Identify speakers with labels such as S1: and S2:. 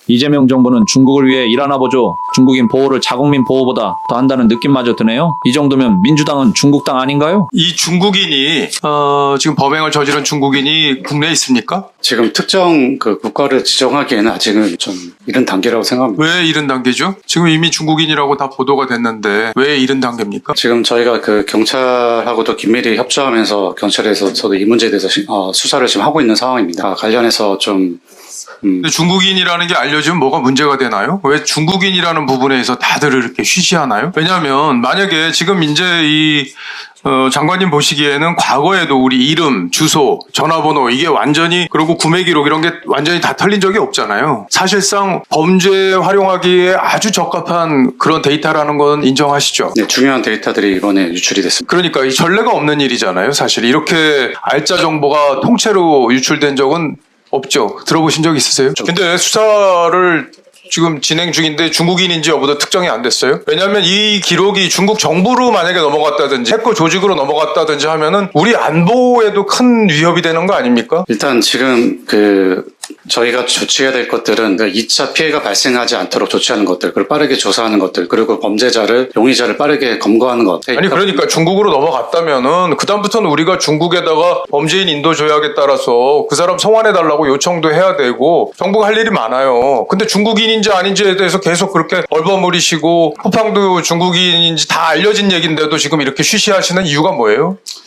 S1: 이재명 정부는 중국을 위해 일하나 보죠. 중국인 보호를 자국민 보호보다 더 한다는 느낌마저 드네요. 이 정도면 민주당은 중국 당 아닌가요?
S2: 이 중국인이 지금 범행을 저지른 중국인이 국내에 있습니까?
S3: 지금 특정 그 국가를 지정하기에는 아직은 좀 이른 단계라고 생각합니다.
S2: 왜 이른 단계죠? 지금 이미 중국인이라고 다 보도가 됐는데 왜 이른 단계입니까?
S3: 지금 저희가 그 경찰하고도 긴밀히 협조하면서 경찰에서도 이 문제에 대해서 수사를 지금 하고 있는 상황입니다. 관련해서 좀
S2: 근데 중국인이라는 게 알려지면 뭐가 문제가 되나요? 왜 중국인이라는 부분에서 다들 이렇게 쉬쉬하나요? 왜냐하면 만약에 지금 이제 이 장관님 보시기에는 과거에도 우리 이름, 주소, 전화번호 이게 완전히 그리고 구매 기록 이런 게 완전히 다 털린 적이 없잖아요. 사실상 범죄에 활용하기에 아주 적합한 그런 데이터라는 건 인정하시죠?
S3: 네, 중요한 데이터들이 이번에 유출이 됐습니다.
S2: 그러니까 이 전례가 없는 일이잖아요. 사실 이렇게 알짜 정보가 통째로 유출된 적은 없죠. 들어보신 적 있으세요? 근데 수사를 지금 진행 중인데 중국인인지 여부도 특정이 안 됐어요. 왜냐하면 이 기록이 중국 정부로 만약에 넘어갔다든지 해커 조직으로 넘어갔다든지 하면은 우리 안보에도 큰 위협이 되는 거 아닙니까?
S3: 일단 지금 저희가 조치해야 될 것들은 2차 피해가 발생하지 않도록 조치하는 것들, 그리고 빠르게 조사하는 것들, 그리고 범죄자를, 용의자를 빠르게 검거하는 것.
S2: 아니 그러니까 중국으로 넘어갔다면은 그다음부터는 우리가 중국에다가 범죄인 인도 조약에 따라서 그 사람 송환해달라고 요청도 해야 되고 정부가 할 일이 많아요. 근데 중국인인지 아닌지에 대해서 계속 그렇게 얼버무리시고 쿠팡도 중국인인지 다 알려진 얘기인데도 지금 이렇게 쉬쉬하시는 이유가 뭐예요?